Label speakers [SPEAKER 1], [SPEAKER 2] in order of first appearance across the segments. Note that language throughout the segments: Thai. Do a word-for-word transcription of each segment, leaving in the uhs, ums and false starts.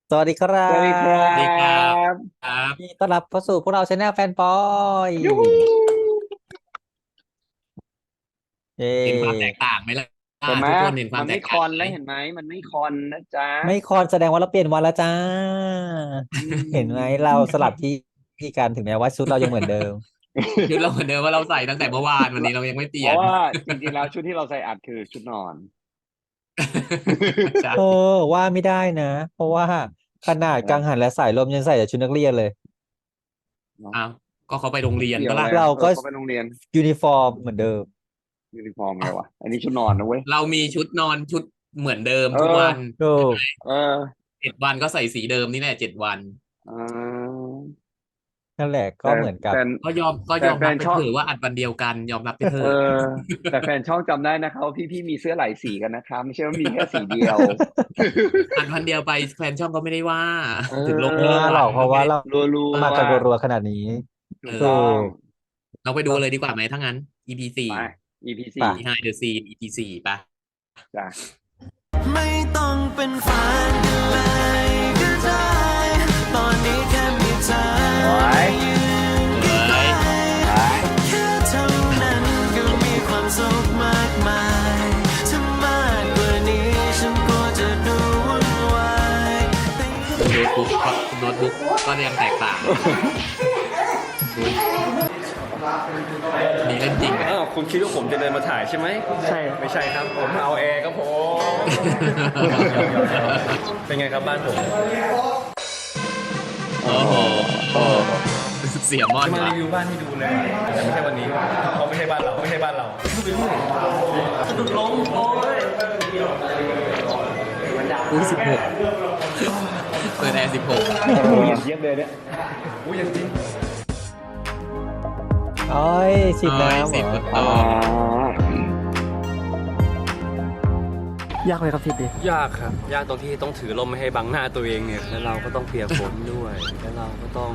[SPEAKER 1] สวัสดีครั
[SPEAKER 2] สวัสดีครั
[SPEAKER 1] บ
[SPEAKER 3] สวัสดีครับ
[SPEAKER 2] บ
[SPEAKER 3] ครับ
[SPEAKER 1] ยินดีต้อนรับเข้าสู่พวกเราชาแนลแฟนปอย
[SPEAKER 2] ยูฮู
[SPEAKER 1] เย
[SPEAKER 3] เห็นความแตก่ต่างไหมล่ะ
[SPEAKER 2] เห็นไหม
[SPEAKER 3] ทุกคนเห็นความ
[SPEAKER 2] มันไม่
[SPEAKER 3] แตกต่างไหม
[SPEAKER 2] คอนแล้วเห็นไหมมันไม่คอนนะจ๊ะ
[SPEAKER 1] ไม่คอนแสดงว่าเราเปลี่ยนวันแล้วจ้า
[SPEAKER 2] อื
[SPEAKER 1] เห็นไหม
[SPEAKER 2] ม
[SPEAKER 1] เราสลับที่ที่กันถึงแม้ว่าชุดเรายังเหมือนเดิม
[SPEAKER 3] ชุดเราเหมือนเดิมว่าเราใส่ตั้งแต่เมื่อวานวันนี้เรายังไม่เปลี่ยน
[SPEAKER 2] เพราะว่าจริงๆแล้วชุดที่เราใส่อัดคือชุดนอน
[SPEAKER 3] ใช่
[SPEAKER 1] เออว่าไม่ได้นะเพราะว่าขนาดกังหันและสายลมยังใส่แต่ชุดนักเรียนเลย
[SPEAKER 2] เนาะ
[SPEAKER 3] อ้าวก็เขาไปโรงเรียน
[SPEAKER 2] เกี่ยว
[SPEAKER 3] ปะล่ะ
[SPEAKER 2] อะไร
[SPEAKER 1] เราก็
[SPEAKER 2] เออเขาไปโรงเรียน
[SPEAKER 1] ยูนิฟอร์มเหมือนเดิม
[SPEAKER 2] ยูนิฟอร์มไงวะอันนี้ชุดนอนนะเว้ย
[SPEAKER 3] เรามีชุดนอนชุดเหมือนเดิม
[SPEAKER 2] เออ
[SPEAKER 3] ทุกวัน
[SPEAKER 1] โอ้
[SPEAKER 2] เออ
[SPEAKER 3] เจ็ดวันก็ใส่สีเดิมนี่แหละเจ็ดวัน
[SPEAKER 2] เออ
[SPEAKER 1] นั่นแหละก็
[SPEAKER 2] แต่
[SPEAKER 1] เหมือนกับ
[SPEAKER 2] แต่
[SPEAKER 3] ก็ยอมก็
[SPEAKER 2] แต่
[SPEAKER 3] ยอมรับไป
[SPEAKER 2] แฟนช่อง
[SPEAKER 3] เถอะว่าอัดวันเดียวกันยอมรับไปเถ
[SPEAKER 2] เอ
[SPEAKER 3] อะ
[SPEAKER 2] อแต่แฟนช่องจำได้นะคะว่าพี่ๆมีเสื้อหลายสีกันนะคะไม่ใช่ว่ามีแค่สีเดียว
[SPEAKER 3] อัดวันเดียวไปแฟนช่องก็ไม่ได้ว่า
[SPEAKER 2] เอ
[SPEAKER 3] ถึงลง
[SPEAKER 1] ไม่
[SPEAKER 3] ทุก
[SPEAKER 2] อ
[SPEAKER 1] ว่าหรอกเพ
[SPEAKER 3] วันก็
[SPEAKER 1] ราะว่าเรา
[SPEAKER 3] ไม่ได้
[SPEAKER 2] รัว
[SPEAKER 1] มากันรัวๆขนาดนี้
[SPEAKER 2] ๆถู
[SPEAKER 3] เอ
[SPEAKER 1] ถู
[SPEAKER 2] กต้อง
[SPEAKER 3] อ
[SPEAKER 1] ก
[SPEAKER 3] เราไปดูเลยดีกว่าไหมถ้างั้น อี พี สี่
[SPEAKER 2] ไป อี พี สี่
[SPEAKER 1] ป่ะ
[SPEAKER 3] Behind the Scene อี พี สี่ป่ะ
[SPEAKER 2] จ้ะ
[SPEAKER 4] ไม่ต้องเป็นแฟนกันเลยก็ได้ ตอนนี้แค่มีเธอ
[SPEAKER 2] ไว้
[SPEAKER 4] ยืนใกล้
[SPEAKER 2] ไป
[SPEAKER 4] ๆแค่เท่านั้นก็มีความสุขมากมายถ้ามากกว่านี้ฉันก็จะดูวุ่นวายแต่
[SPEAKER 3] โน้ตบุ๊กโน้ตบุ๊กก็ยังแตกต่างนี่เล่นจริงไหม
[SPEAKER 5] อ้าวคุณคิดว่าผมจะเดินมาถ่ายใช่ไหมใช่ไม่ใช่ครับผมเอาแอร์ครับผมเป็นไงครับบ้านผม
[SPEAKER 3] โอ้โหเสียมอน
[SPEAKER 5] จะมา
[SPEAKER 3] ว่ะ
[SPEAKER 5] รีวิวบ้านให้ดูเลยแต่ไม่ใช่วันนี้เพราะไม่ใช่บ้านเราไม่ใช่บ้านเราสะดุดล้มโอ้ย
[SPEAKER 3] อุ้ยสิบหกเปิดแอร์สิบหก
[SPEAKER 2] เยี่ยมเลยเนี่ย
[SPEAKER 5] อุ้ยยังจริง
[SPEAKER 1] โอ้ยฉีดน้ำเหร
[SPEAKER 3] สิบ
[SPEAKER 1] อ
[SPEAKER 3] ต่อย
[SPEAKER 6] ากไหมครับทริปนี้
[SPEAKER 5] ยากครับยากตรงที่ต้องถือลมไม่ให้บังหน้าตัวเองเนี่ยแล้วเราก็ต้องเปียกฝนด้วยแล้วเราก็ต้อง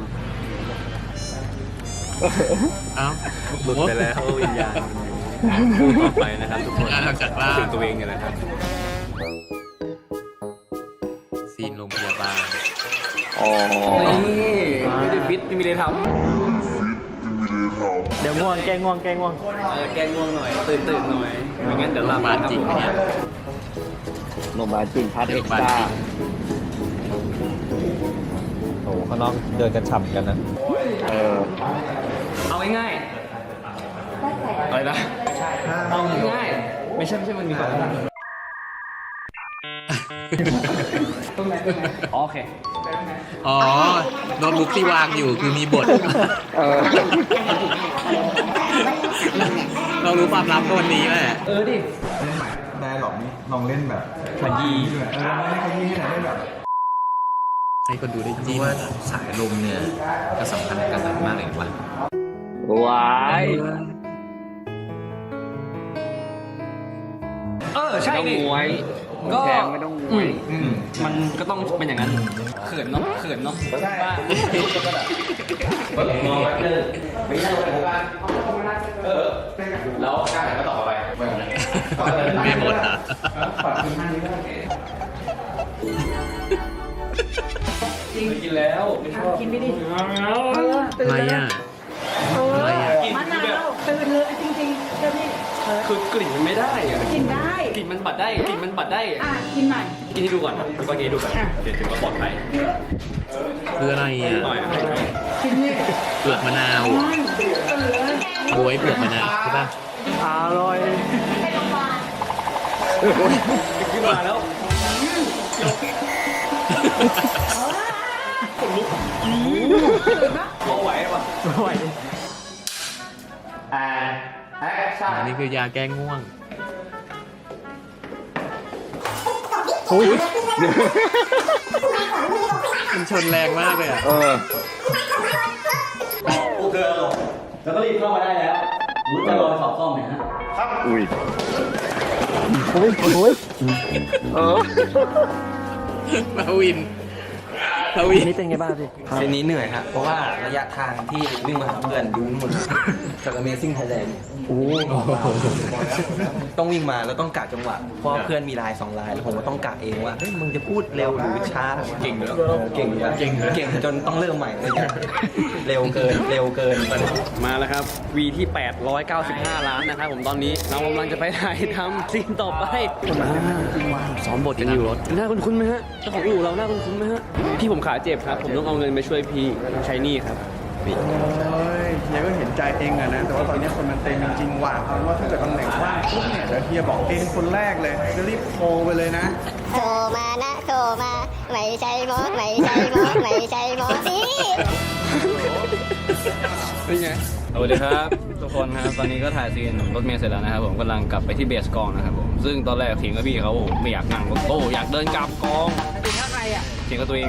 [SPEAKER 3] เอ้า
[SPEAKER 5] หลุดไปแล้ววิญญาณพูดต่อไปนะครับทุกคน
[SPEAKER 3] งานทำจากบ้าน
[SPEAKER 5] ถึงตัวเองเนี่ยแหละครับ
[SPEAKER 3] ซีนโรงพยาบาล
[SPEAKER 2] อ๋อ
[SPEAKER 5] นี่ไม่ได้ฟิตไม่มีอะไรทำ
[SPEAKER 6] เดี๋ยวง่วงแกง่วงแกง่วง
[SPEAKER 5] เออแกล้งง่วงหน่อย ตื่นตื่นหน่อยไม่งั้นเดี๋ยว
[SPEAKER 3] โร
[SPEAKER 5] หลั
[SPEAKER 3] ง
[SPEAKER 5] บ
[SPEAKER 3] พยาบาลจริงไหมเนี่ย
[SPEAKER 2] โรงพยาบาลจริงพัทเอ็กซ์ตร้า
[SPEAKER 1] โอ้โหข้างนอกเดินกันฉ่ำกันนะ
[SPEAKER 2] เออ
[SPEAKER 5] เอาง่ายๆอะไรนะเอาง่ายๆไม่ใช่ไม่ใช่มันมีก่อนโอเค
[SPEAKER 3] อ๋อโน้ตบุ๊กที่วางอยู่คือมีบท
[SPEAKER 2] เออ
[SPEAKER 3] เรารู้ความลับก็วันนี้แหละ
[SPEAKER 5] เออดิ
[SPEAKER 7] ได้หรอกนี่ลองเล่นแบบ
[SPEAKER 5] ขยี้
[SPEAKER 7] ด้วยเออลองเล่นขยี้ให้หน่อยได้แบบ
[SPEAKER 3] ให้คนดูได้จิ้ม
[SPEAKER 8] ว่าสายลมเนี่ยก็สำคัญกับกันมากเลยว่ะ
[SPEAKER 2] ว้าย
[SPEAKER 5] เออใช่
[SPEAKER 2] ไม่ต้อง
[SPEAKER 5] ดิ
[SPEAKER 2] มวย
[SPEAKER 5] ก็
[SPEAKER 2] แทงไม่ต้องมวย
[SPEAKER 5] อืมมันก็ต้องเป็นอย่างนั้นเขินเนาะเขินเนาะบ้า แล้วกล้าไหนก็ต่อไป
[SPEAKER 3] ไม่หมดอ่ะ
[SPEAKER 5] กินแล้วไม่ชอบ
[SPEAKER 9] กินไปดิ
[SPEAKER 3] อะไรอ่ะอะไรอ่ะ
[SPEAKER 5] กิน
[SPEAKER 9] มะ
[SPEAKER 5] คือแบ
[SPEAKER 9] นา
[SPEAKER 5] บ
[SPEAKER 9] วตื่นเลยจริงๆเดี๋ยวนี้เออ
[SPEAKER 5] คือกลิ่นมันไม่ได้อะ
[SPEAKER 9] กินได้
[SPEAKER 5] กลิ่นมันบัดได้กลิ่นมันบัดได้
[SPEAKER 9] อ่ะ กินหน่อย
[SPEAKER 5] กินให้ดูก่อนดูก่อนกินให้ดูก่อนเดี๋ยวถึงว่าปลอดภัย
[SPEAKER 3] คืออะไรอ่ะ
[SPEAKER 5] หน่อย
[SPEAKER 9] กินนี่
[SPEAKER 3] เปลือกมะนาว
[SPEAKER 9] อืมเออ
[SPEAKER 3] บวยเปลือกมะนาวใช่ป่ะ
[SPEAKER 6] อร่อย
[SPEAKER 5] ขึ้นมาแล้วพอไหวปะ
[SPEAKER 6] ไหว
[SPEAKER 3] อันนี้คือยาแก้ง่วง มันชนแรงมากเลยอ่ะ
[SPEAKER 2] เออ
[SPEAKER 5] แล้วก็รีบเข้ามาได้แล้วรู้จะรอสอบซ่อมเนี่ยฮะ
[SPEAKER 2] อุ้ย
[SPEAKER 1] โอ้ยโอ้ย
[SPEAKER 2] เออ
[SPEAKER 3] มาวินทวี
[SPEAKER 6] นี่เป็นไงบ้างพี่
[SPEAKER 5] เซนนี้เหนื่อยฮะเพราะว่าระยะทางที่วิ่งมาหาเพื่อนดูหมดจาก Amazing Thailand โอ้ต้องวิ่งมาแล้วต้องกะจังหวะเพราะเพื่อนมีลายสองลายแล้วผมก็ต้องกะเองว่าเฮ้ยมึงจะพูดเร็วหรือช้าเก่งแล้วเก่งแล้วเก่งเก่งจนต้องเริ่มใหม่เลยเนี่ยเร็วเกินเร็วเกิน มาแล้วครับวีที่แปดร้อยเก้าสิบห้าล้านนะครับผมตอนนี้เรากำลังจะไปถ่ายทำซีนต่อไปมาซ้อมบทกันอยู่รถหน้าคุ้นๆไหมฮะเจ้าของอู่เราหน้าคุ้นๆไหมฮะพี่ผมขาเจ็บครับผมต้องเอาเงินไปช่วยพี่ใช้หนี้ครับ
[SPEAKER 7] โอ้ยเฮียก็เห็นใจเองอะนะ แต่ว่าตอนนี้คนมันเต็มจริงๆว่ะเอาเป็นว่าถ้าเกิดตำแหน่งว่างปุ๊บเนี่ยเดี๋ยวเฮียบอกเองคนแรกเลยจะรีบโทรไปเลยนะ
[SPEAKER 10] โทรมานะโทรมา ไม่ใช่หมอไม่ใช่หมอไม่ใช่หมอนี่
[SPEAKER 5] เป็นไงสวัสดีครับทุกคนครับตอนนี้ก็ถ่ายซีนรถเมล์เสร็จแล้วนะครับผมกำลังกลับไปที่เบสกองนะครับผมซึ่งตอนแรกเถียงกับพี่เขาไม่อยากนั่งรถตู้อยากเดินกลับกองเถียงกับใครอ่ะเถียงกับตัวเอง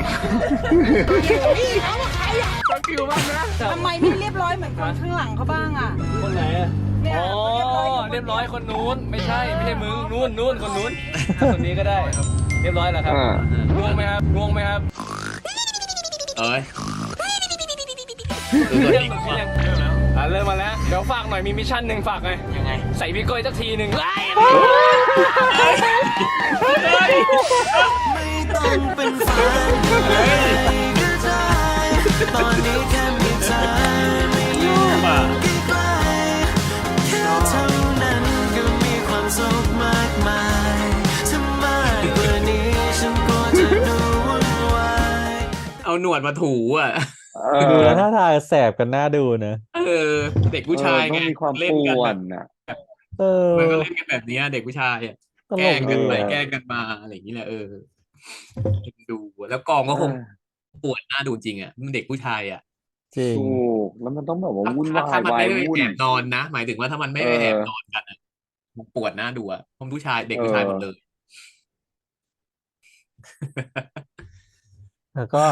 [SPEAKER 9] ทำไมไม่เรียบร้อยเหมือนคนข้างหลังเขาบ้างอ่ะ
[SPEAKER 5] คนไหนอ่ะ
[SPEAKER 9] เนี่ย
[SPEAKER 5] อ๋อ
[SPEAKER 9] เรียบร้อย
[SPEAKER 5] เรียบร้อยคนนู้นไม่ใช่ไม่ใช่มึงนู้นนู้นคนนู้นคนนี้ก็ได้ครับเรียบร้อยแล้วครับ
[SPEAKER 2] อ่า
[SPEAKER 5] ง่วงไหมครับง่วงไหมครับ
[SPEAKER 3] เอ้ย
[SPEAKER 5] เริ่มแล้วอ่ะเริ่มมาแล้วเดี๋ยวฝากหน่อยมีมิชชั่นหนึ่งฝากไงยังไงใส่พี่ก้อยสักทีหนึ่ง
[SPEAKER 4] ไม่ต้องเป็นฝันก็ได้ตอนนี้แค่มีเธอไม่อยู่ใกล้ๆแค่เท่านั้นก็มีความสุขมากมายถ้ามากกว่านี้ฉันก็จะดูวุ่นวาย
[SPEAKER 3] เอาหนวดมาถูอ่ะ
[SPEAKER 2] เออ
[SPEAKER 1] ดูแล้วท่าทางแสบกันน่าดูนะ
[SPEAKER 3] เออ เด็กผู้ชาย
[SPEAKER 2] เออ
[SPEAKER 3] ไง
[SPEAKER 2] ต้องมีความ
[SPEAKER 3] เล่น
[SPEAKER 2] ป่
[SPEAKER 3] กัน
[SPEAKER 2] ว
[SPEAKER 3] แบ
[SPEAKER 2] น
[SPEAKER 3] บ
[SPEAKER 2] น่ะ
[SPEAKER 1] เออ
[SPEAKER 3] มันก็เล่นกันแบบเนี้ยเด็กผู้ชายอ่ะ
[SPEAKER 1] ต
[SPEAKER 3] แก
[SPEAKER 1] ล
[SPEAKER 3] ล้
[SPEAKER 1] ก
[SPEAKER 3] ง
[SPEAKER 1] ดี
[SPEAKER 3] กันไป
[SPEAKER 1] อะ
[SPEAKER 3] แกล้งกันมาอะไรอย่างนี้แหละเออดูแล้วกองก็คงปวดหน้าดูจริงอ่ะมันเด็กผู้ชายอ่ะ
[SPEAKER 1] จริง
[SPEAKER 2] ถูกแล้วมันต้องแบบว่า
[SPEAKER 3] ถ้า
[SPEAKER 2] วุ่น
[SPEAKER 3] ถ้าว
[SPEAKER 2] า
[SPEAKER 3] ถ้าย มัน
[SPEAKER 2] วาย
[SPEAKER 3] ไม่ได้
[SPEAKER 2] วุ่น
[SPEAKER 3] แอบนอนนะ หมายถึงว่าถ้ามันไม่ได้
[SPEAKER 2] เออ
[SPEAKER 3] แอบนอนกันอะมันปวดหน้าดูอ่ะเพราะผู้ชายเด็กผู้ชายหมดเลย
[SPEAKER 1] แล้วก็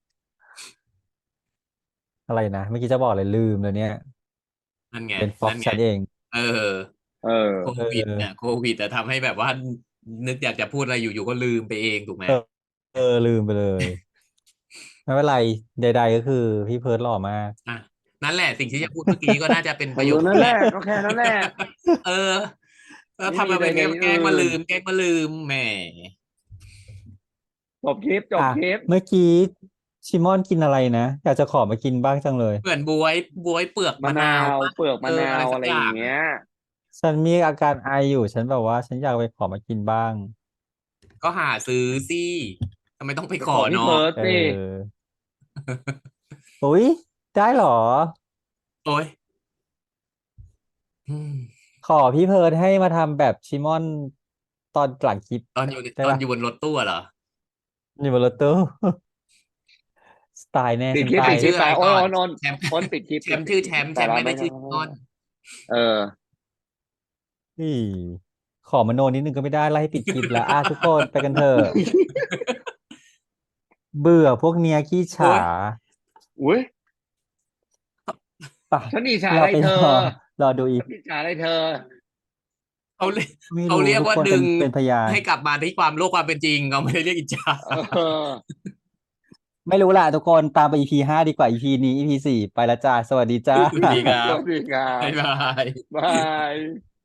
[SPEAKER 1] อะไรนะเมื่อกี้จะบอกเลยลืมเลยเนี่ย
[SPEAKER 3] นั่นไง
[SPEAKER 1] เป็นฟ็อก
[SPEAKER 3] นั่นไง
[SPEAKER 1] ฉันเอง
[SPEAKER 3] เออ
[SPEAKER 2] เออ
[SPEAKER 3] โควิดเนี่ยโควิดแต่ทำให้แบบว่า นึกอยากจะพูดอะไรอยู่ๆก็ลืมไปเองถูกไหม
[SPEAKER 1] เออ เออลืมไปเลย ไม่เป็นไรใด ๆ ก็คือพี่เพิร์ดหล่อมาก
[SPEAKER 3] อ่ะนั่นแหละสิ่งที่จะพูดเมื่อกี้ก็น่าจะเป็นประโยค
[SPEAKER 2] นั่นแหละก็แค่นั้นแหละ
[SPEAKER 3] เออแล้ว
[SPEAKER 2] ไม่
[SPEAKER 3] ทำมาเป็น
[SPEAKER 2] มีอะไร
[SPEAKER 3] แกล้ง
[SPEAKER 2] เลย
[SPEAKER 3] มาลืม แกล้งมาลืมแหม
[SPEAKER 2] จบคลิปจบ
[SPEAKER 1] อ่ะ
[SPEAKER 2] คลิป
[SPEAKER 1] เมื่อกี้ชิมอนกินอะไรนะ อยากจะขอมากินบ้างจังเลย
[SPEAKER 3] เหมือนบวยบวยเปลือก
[SPEAKER 2] มะนาน
[SPEAKER 3] มะาว วปะ
[SPEAKER 2] เปลือกมะนาว
[SPEAKER 3] เออ
[SPEAKER 2] อะ
[SPEAKER 3] อะไร ไร
[SPEAKER 2] อ
[SPEAKER 3] สักอย่าง
[SPEAKER 2] ย่างเงี้ย
[SPEAKER 1] ฉันมีอาการไออยู่ ฉันแบบว่า ฉันอยากไปขอมากินบ้าง
[SPEAKER 3] ก็หาซื้อสิทำไมต้องไปขอ
[SPEAKER 2] พี่
[SPEAKER 3] เนาะ
[SPEAKER 2] เพิร์ด
[SPEAKER 1] เอ
[SPEAKER 2] สิ
[SPEAKER 1] ออุ้ยได้เหรอ
[SPEAKER 3] โอ้ยอืม
[SPEAKER 1] ขอพี่เพิร์ดให้มาทำแบบชิมอนตอนหลังคลิป
[SPEAKER 3] ตอนอยู่
[SPEAKER 1] ได้
[SPEAKER 3] ตอน
[SPEAKER 1] ปะ
[SPEAKER 3] อยู่บนรถตู้อะเหรอ
[SPEAKER 1] อยู่บนรถตู้ สไตล์แน่
[SPEAKER 2] ปิด
[SPEAKER 1] ฉัน
[SPEAKER 2] คลิป
[SPEAKER 1] ไป
[SPEAKER 2] ปิดคลิป
[SPEAKER 3] ชื่ออะไร
[SPEAKER 2] โอ้
[SPEAKER 3] ก่อน
[SPEAKER 2] นน
[SPEAKER 3] แชมป์
[SPEAKER 2] คนปิดคลิป
[SPEAKER 3] แชมป์ชื่อแชมป์แชมป์ไม่ได้ชื่อก้อน
[SPEAKER 2] เออ
[SPEAKER 1] อีขอมโนนิดนึงก็ไม่ได้ไล่ให้ปิดคลิปแล้ว อ่ะทุกคนไปกันเถอะ เบื่อพวกเนี้ยขี้ฉา
[SPEAKER 2] อุ้ย
[SPEAKER 1] ไป
[SPEAKER 2] ฉันอิจฉา
[SPEAKER 1] เรา
[SPEAKER 2] อะไร
[SPEAKER 1] ไป
[SPEAKER 2] เธ
[SPEAKER 1] ร
[SPEAKER 2] อ
[SPEAKER 1] อรอดูอี
[SPEAKER 2] ฉันอิจฉาอะไรเธอ
[SPEAKER 3] เขาเรียก
[SPEAKER 1] ไม่
[SPEAKER 3] เขา
[SPEAKER 1] รู้
[SPEAKER 3] เรียก
[SPEAKER 1] ทุก
[SPEAKER 3] ว่า
[SPEAKER 1] คน
[SPEAKER 3] ดึ
[SPEAKER 1] เป็น
[SPEAKER 3] ง
[SPEAKER 1] เป็นพยาน
[SPEAKER 3] ให้กลับมาที่ความโลกความเป็นจริงเขาไม่ได้เรียกอิจฉา
[SPEAKER 2] เออ
[SPEAKER 1] ไม่รู้ล่ะทุกคนตามไป อี พี ห้าดีกว่า อี พี นี้ อี พี สี่ไปละจ้า สวัสดีจ้า
[SPEAKER 3] สวัสดีครับ
[SPEAKER 2] สวัสดีครับ
[SPEAKER 3] บ๊ายบาย
[SPEAKER 2] บาย